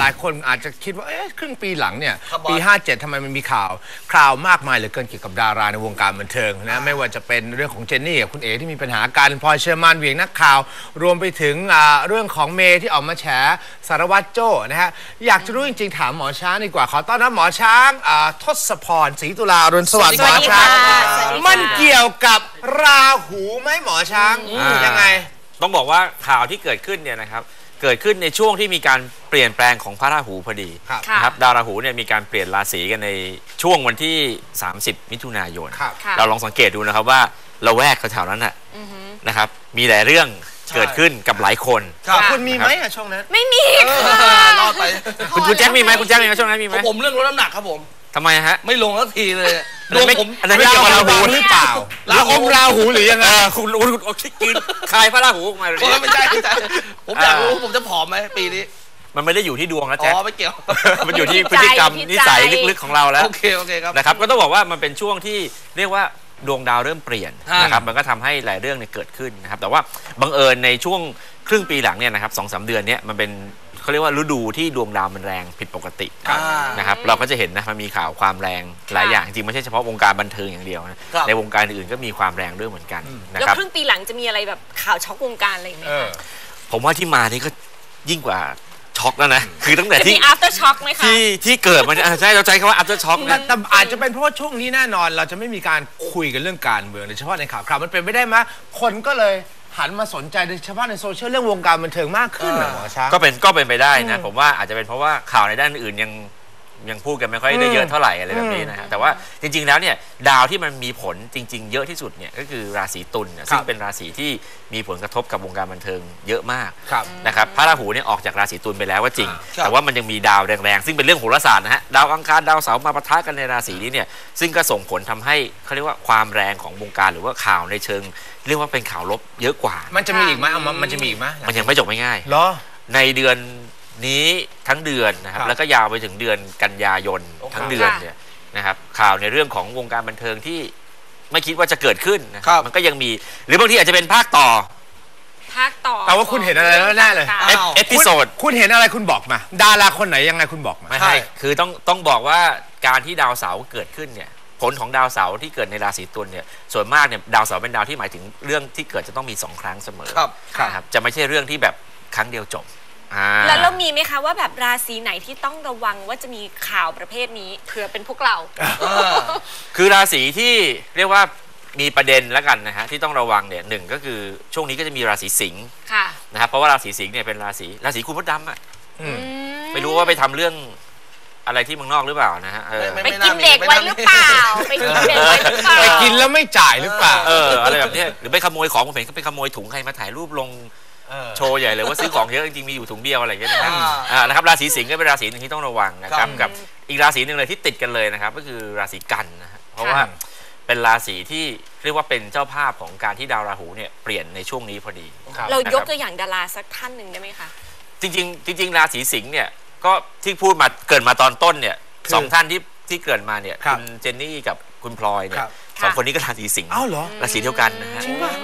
ายคนอาจจะคิดว่าครึ่งปีหลังเนี่ยปี57ทำไมมันมีข่าวมากมายเหลือเกินเกี่ยวกับดาราในวงการบันเทิงนะไม่ว่าจะเป็นเรื่องของเจนนี่กับคุณเอ๋ที่มีปัญหาการพลอยเชอร์มานเหวี่ยงนักข่าวรวมไปถึงเรื่องของเมย์ที่ออกมาแฉสารวัตรโจ้นะฮะอยากจะรู้จริงๆถามหมอช้างดีกว่าขอต้อนรับหมอช้างทศพรศรีตุลาอรุณสวัสดิ์หมอช้างมันเกี่ยวกับราหูไหมหมอช้างยังไงต้องบอกว่าข่าวที่เกิดขึ้นเนี่ยนะครับเกิดขึ้นในช่วงที่มีการเปลี่ยนแปลงของพระราหูพอดีนะครับดาวราหูเนี่ยมีการเปลี่ยนราศีกันในช่วงวันที่30มิถุนายนเราลองสังเกตดูนะครับว่าละแวกแถวๆนั้นนะครับมีหลายเรื่องเกิดขึ้นกับหลายคนคุณมีไหมช่วงนั้นไม่มีรอดไปคุณแจ็คมีไหมคุณแจ็คมีไหมช่วงนั้นมีไหมผมเรื่องลดน้ำหนักครับผมทำไมฮะไม่ลงสักทีเลยดวงผมอันนั้นไม่เกี่ยวกับราหูหรือเปล่าราหูหรือยังไงคุณกินคายพระราหูมาเลยไม่ใช่ผมอยากรู้ผมจะผอมไหมปีนี้มันไม่ได้อยู่ที่ดวงนะแจ็คไม่เกี่ยวมันอยู่ที่พฤติกรรมนิสัยลึกๆของเราแล้วโอเคครับนะครับก็ต้องบอกว่ามันเป็นช่วงที่เรียกว่าดวงดาวเริ่มเปลี่ยนนะครับมันก็ทำให้หลายเรื่องเนี่ยเกิดขึ้นนะครับแต่ว่าบังเอิญในช่วงครึ่งปีหลังเนี่ยนะครับ2-3 เดือนเนี่ยมันเป็นเขาเรียกว่าฤดูที่ดวงดาวมันแรงผิดปกตินะครับเราก็จะเห็นนะมันมีข่าวความแรงหลายอย่างจริงไม่ใช่เฉพาะวงการบันเทิงอย่างเดียวนะในวงการอื่นก็มีความแรงด้วยเหมือนกันนะครับแล้วครึ่งปีหลังจะมีอะไรแบบข่าวช็อกวงการอะไรไหมคะผมว่าที่มานี่ก็ยิ่งกว่าช็อกแล้วนะคือตั้งแต่ที่ after shock ไหมคะที่เกิดมันใช่เราใจคำว่า after shock นะแต่อาจจะเป็นเพราะว่าช่วงนี้แน่นอนเราจะไม่มีการคุยกันเรื่องการเมืองโดยเฉพาะในข่าวมันเป็นไม่ได้ไหมคนก็เลยหันมาสนใจโดยเฉพาะในโซเชียลเรื่องวงการบันเทิงมากขึ้นนะหมอช้างก็เป็นไปได้นะผมว่าอาจจะเป็นเพราะว่าข่าวในด้านอื่นยังพูดกันไม่ค่อยได้เยอะเท่าไหร่อะไรแบบนี้นะฮะแต่ว่าจริงๆแล้วเนี่ยดาวที่มันมีผลจริงๆเยอะที่สุดเนี่ยก็คือราศีตุลซึ่งเป็นราศีที่มีผลกระทบกับวงการบันเทิงเยอะมากนะครับพระราหูเนี่ยออกจากราศีตุลไปแล้วว่าจริงแต่ว่ามันยังมีดาวแรงๆซึ่งเป็นเรื่องโหราศาสตร์นะฮะดาวอังคารดาวเสาร์มาปะทะกันในราศีนี้เนี่ยซึ่งก็ส่งผลทำให้เขาเรียกว่าความแรงของวงการหรือว่าข่าวในเชิงเรียกว่าเป็นข่าวลบเยอะกว่ามันจะมีอีกไหมมันจะมีอีกไหมมันยังไม่จบไม่ง่ายเหรอในเดือนนี้ทั้งเดือนนะครับแล้วก็ยาวไปถึงเดือนกันยายนทั้งเดือนเนี่ยนะครับข่าวในเรื่องของวงการบันเทิงที่ไม่คิดว่าจะเกิดขึ้นนะมันก็ยังมีหรือบางทีอาจจะเป็นภาคต่อแต่ว่าคุณเห็นอะไรแล้วแน่เลยเอพิโซดคุณเห็นอะไรคุณบอกมาดาราคนไหนยังไงคุณบอกมาไม่ใช่คือต้องบอกว่าการที่ดาวเสาร์เกิดขึ้นเนี่ยผลของดาวเสาร์ที่เกิดในราศีตุลเนี่ยส่วนมากเนี่ยดาวเสาร์เป็นดาวที่หมายถึงเรื่องที่เกิดจะต้องมี2 ครั้งเสมอครับจะไม่ใช่เรื่องที่แบบครั้งเดียวจบแล้วเรามีไหมคะว่าแบบราศีไหนที่ต้องระวังว่าจะมีข่าวประเภทนี้เผื่อเป็นพวกเราคือราศีที่เรียกว่ามีประเด็นแล้วกันนะฮะที่ต้องระวังเนี่ยหนึ่งก็คือช่วงนี้ก็จะมีราศีสิงห์นะครับเพราะว่าราศีสิงห์เนี่ยเป็นราศีคุณมดดำอ่ะไม่รู้ว่าไปทำเรื่องอะไรที่เมืองนอกหรือเปล่านะฮะไปกินเด็กไว้หรือเปล่าไปกินเด็กไว้หรือเปล่าไปกินแล้วไม่จ่ายหรือเปล่าอะไรแบบนี้หรือไปขโมยของผมเห็นก็ไปขโมยถุงใครมาถ่ายรูปลงโชว์ใหญ่เลยว่าซื้อของเยอะจริงๆมีอยู่ถุงเดียวอะไรอย่างเงี้ยนะครับราศีสิงห์ก็เป็นราศีหนึ่งที่ต้องระวังนะครับกับอีกราศีหนึ่งเลยที่ติดกันเลยนะครับก็คือราศีกันนะเพราะว่าเป็นราศีที่เรียกว่าเป็นเจ้าภาพของการที่ดาวราหูเนี่ยเปลี่ยนในช่วงนี้พอดีเรายกตัวอย่างดาราสักท่านหนึ่งได้ไหมคะจริงราศีสิงห์เนี่ยก็ที่พูดมาเกิดมาตอนต้นเนี่ย2 ท่านที่เกิดมาเนี่ยคุณเจนนี่กับคุณพลอยเนี่ย2 คนนี้ก็ราศีสิงห์ราศีเดียวกันนะฮะ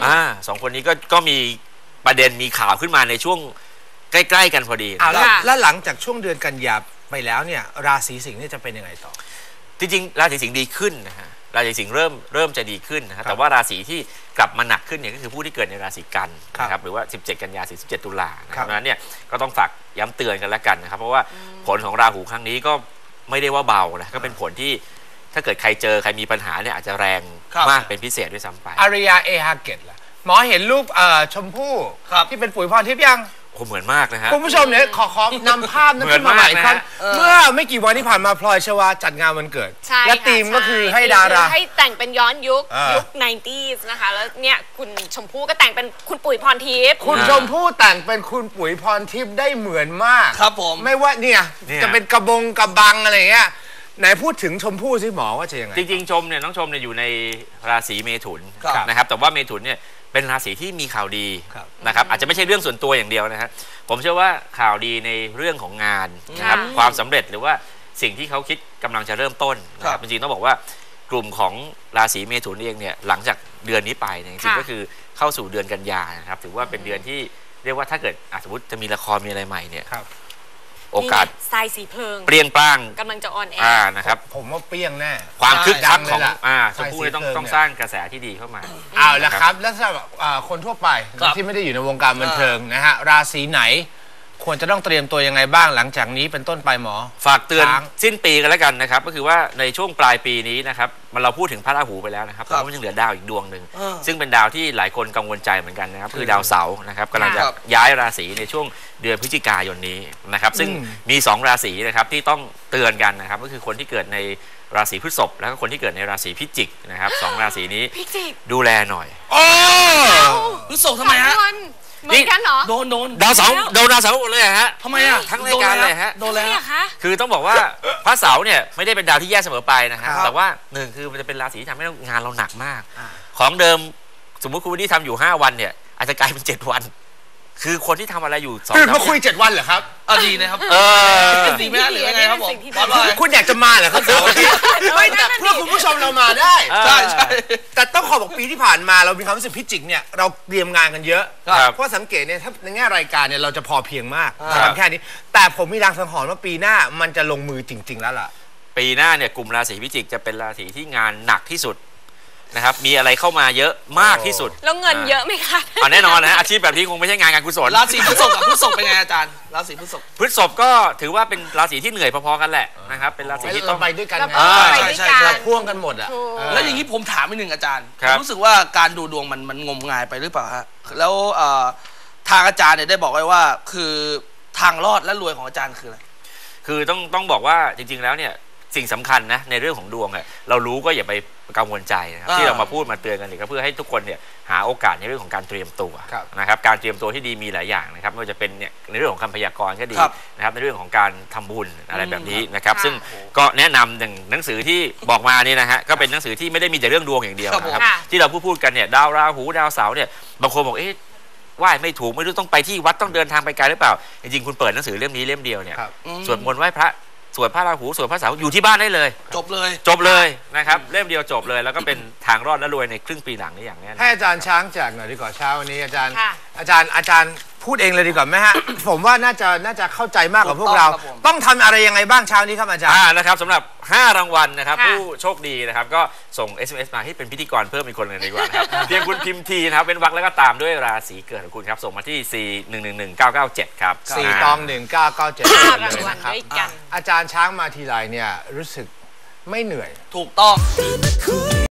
2 คนนี้ก็มีประเด็นมีข่าวขึ้นมาในช่วงใกล้ๆกันพอดีแล้วหลังจากช่วงเดือนกันยาไปแล้วเนี่ยราศีสิงห์นี่จะเป็นยังไงต่อจริงๆราศีสิงห์ดีขึ้นนะฮะราศีสิงห์เริ่มจะดีขึ้นนะแต่ว่าราศีที่กลับมาหนักขึ้นเนี่ยก็คือผู้ที่เกิดในราศีกันนะครับหรือว่า17 กันยาถึง17 ตุลาเพราะฉะนั้นเนี่ยก็ต้องฝากย้ำเตือนกันแล้วกันนะครับเพราะว่าผลของราหูครั้งนี้ก็ไม่ได้ว่าเบานะก็เป็นผลที่ถ้าเกิดใครเจอใครมีปัญหาเนี่ยอาจจะแรงมากเป็นพิเศษด้วยซ้ำไปอาริยาเอฮาเกตล่ะหมอเห็นรูปชมพู่ที่เป็นปุ๋ยพรทิพย์ยังเหมือนมากนะฮะคุณผู้ชมเนี่ยขอนำภาพนั้นขึ้นมาใหม่อีกครั้งเมื่อไม่กี่วันที่ผ่านมาพลอยชวาจัดงานวันเกิดและธีมก็คือให้ดาราให้แต่งเป็นย้อนยุค 90s นะคะแล้วเนี่ยคุณชมพู่ก็แต่งเป็นคุณปุ๋ยพรทิพย์คุณชมพู่แต่งเป็นคุณปุ๋ยพรทิพย์ได้เหมือนมากครับผมไม่ว่าเนี่ยจะเป็นกระบังอะไรเงี้ยไหนพูดถึงชมพู่สิหมอว่าจะยังไงจริงๆน้องชมเนี่ยอยู่ในราศีเมถุนนะครับแต่ว่าเมถุนเนี่ยเป็นราศีที่มีข่าวดีนะครับอาจจะไม่ใช่เรื่องส่วนตัวอย่างเดียวนะครับผมเชื่อว่าข่าวดีในเรื่องของงานนะครับความสำเร็จหรือว่าสิ่งที่เขาคิดกำลังจะเริ่มต้นนะครับจริงๆต้องบอกว่ากลุ่มของราศีเมถุนเองเนี่ยหลังจากเดือนนี้ไปจริงๆก็คือเข้าสู่เดือนกันยานะครับถือว่าเป็นเดือนที่เรียกว่าถ้าเกิดสมมติจะมีละครมีอะไรใหม่เนี่ยโโอกาสทรายสีเพลิงเปรี้ยงปร้างกำลังจะออนแอร์นะครับผมว่าเปรี้ยงแน่ความคึกคักของดังเลยล่ะชมพู่เนี่ยสายสีเพลิงต้องสร้างกระแสที่ดีเข้ามาเอาละครับแล้วสำหรับคนทั่วไปครับที่ไม่ได้อยู่ในวงการบันเทิงนะฮะราศีไหน ควรจะต้องเตรียมตัวยังไงบ้างหลังจากนี้เป็นต้นไปหมอฝากเตือนช้างสิ้นปีกันแล้วกันนะครับก็คือว่าในช่วงปลายปีนี้นะครับเราพูดถึงพระราหูไปแล้วนะครับครัแต่บว่ามันยังเหลือดาวอีกดวงหนึ่งเออซึ่งเป็นดาวที่หลายคนกังวลใจเหมือนกันนะครับคือดาวเสาร์นะครับกำลังจะครับย้ายราศีในช่วงเดือนพฤศจิกายนนี้นะครับซึ่งมี2ราศีนะครับที่ต้องเตือนกันนะครับก็คือคนที่เกิดในราศีพฤษภแล้วก็คนที่เกิดในราศีพิจิกนะครับสองราศีนี้พิจิกดูแลหน่อยโอ้พฤษภทำไมฮะเหมือนกันเหรอโดนดาวเสาร์โดนดาวเสาร์หมดเลยฮะทำไมอ่ะทั้งรายการเลยฮะโดนแล้วเนี่ยคะคือต้องบอกว่าพระเสาร์เนี่ยไม่ได้เป็นดาวที่แย่เสมอไปนะฮะครับแต่ว่าหนึ่งคือมันจะเป็นราศีที่ทำให้งานเราหนักมาก ของเดิมสมมุติคุณวันนี้ทำอยู่5วันเนี่ยอาจจะกลายเป็น7วัน คือคนที่ทำอะไรอยู่2 ตื่นมาคุย7 วันเหรอครับดีนะครับสิ่งไม่ที่น่าหรือยังไงครับผมสิ่งที่บอสว่าไงคุณอยากจะมาเหรอครับเสาร์อาทิตย์ไม่แต่เพื่อคุณผู้ชมเรามาได้ใช่ใช่แต่ต้องขอบอกปีที่ผ่านมาเรามีความรู้สึกพิจิกเนี่ยเราเตรียมงานกันเยอะครับเพราะสังเกตเนี่ยถ้าในแง่รายการเนี่ยเราจะพอเพียงมากครับทำแค่นี้ แต่ผมมีรางสังหรณ์ว่าปีหน้ามันจะลงมือจริง ๆ แล้วล่ะปีหน้าเนี่ยกลุ่มราศีพิจิกจะเป็นราศีที่งานหนักที่สุดนะครับมีอะไรเข้ามาเยอะมากที่สุดแล้วเงินเยอะไหมคะแน่นอนนะฮะอาชีพแบบนี้คงไม่ใช่งานการกุศลราศีพฤษภกับพฤษภเป็นไงอาจารย์ราศีพฤษภพฤษภก็ถือว่าเป็นราศีที่เหนื่อยพอๆกันแหละนะครับเป็นราศีที่ต้เราองไปด้วยกันเราไงไปด้วยกันเราพ่วงกันหมดอ่ะถูกแล้วอย่างนี้ผมถามอีกหนึ่งอาจารย์ครัผบมรู้สึกว่าการดูดวงมันงมงายไปหรือเปล่าฮะแล้วทางอาจารย์เนี่ยได้บอกไว้ว่าคือทางรอดและรวยของอาจารย์คืออะไรคือต้องบอกว่าจริงๆแล้วเนี่ยสิ่งสำคัญนะในเรื่องของดวงอะเรารู้ก็อย่าไปกังวลใจนะครับที่เรามาพูดมาเตือนกันเนี่ยก็เพื่อให้ทุกคนเนี่ยหาโอกาสในเรื่องของการเตรียมตัวครับนะครับการเตรียมตัวที่ดีมีหลายอย่างนะครับไม่ว่าจะเป็นเนี่ยในเรื่องของคำพยากรณ์ก็ดีครับนะครับในเรื่องของการทำบุญอะไรแบบนี้นะครับค่ะซึ่งก็แนะนำอย่างหนังสือที่บอกมานี่นะฮะก็เป็นหนังสือที่ไม่ได้มีแต่เรื่องดวงอย่างเดียวครับผมนะครับค่ะที่เราพูดกันเนี่ยดาวราหูดาวเสาร์เนี่ยบางคนบอกไหว้ไม่ถูกไม่รู้ต้องไปที่วัดต้องเดินทางไปไกลหรือเปล่าจริงๆคุณเปิดหนังสือเล่มนี้เล่มเดียวเนี่ยครับสวดมนต์ไหว้พระสวดพระราหูสวดพระเสาร์อยู่ที่บ้านได้เลยจบเลยจบเลยนะครับเล่มเดียวจบเลยแล้วก็เป็นทางรอดและรวยในครึ่งปีหลังนี้อย่างแน่นอนให้อาจารย์ช้างแจกหน่อยดีกว่าเช้าวันนี้อาจารย์ค่ะอาจารย์พูดเองเลยดีกว่าไหมฮะ ผมว่าน่าจะเข้าใจมากกว่าพวกเราถูกต้องครับผมต้องทำอะไรยังไงบ้างเช้านี้ครับอาจารย์นะครับสำหรับ5รางวัลนะครับค่ะผู้โชคดีนะครับก็ส่ง SMS มาให้เป็นพิธีกรเพิ่มอีกคนเลยดีกว่านะครับ เพียงคุณพิมพ์ทีนะครับเป็นวรรคแล้วก็ตามด้วยราศีเกิดของคุณครับส่งมาที่ 4111997 ครับ 4 ตอง 1997 5 เลรางยวัลนะครับด้วยกันอาจารย์ช้างมาทีไรเนี่ยรู้สึกไม่เหนื่อยถูกต้อง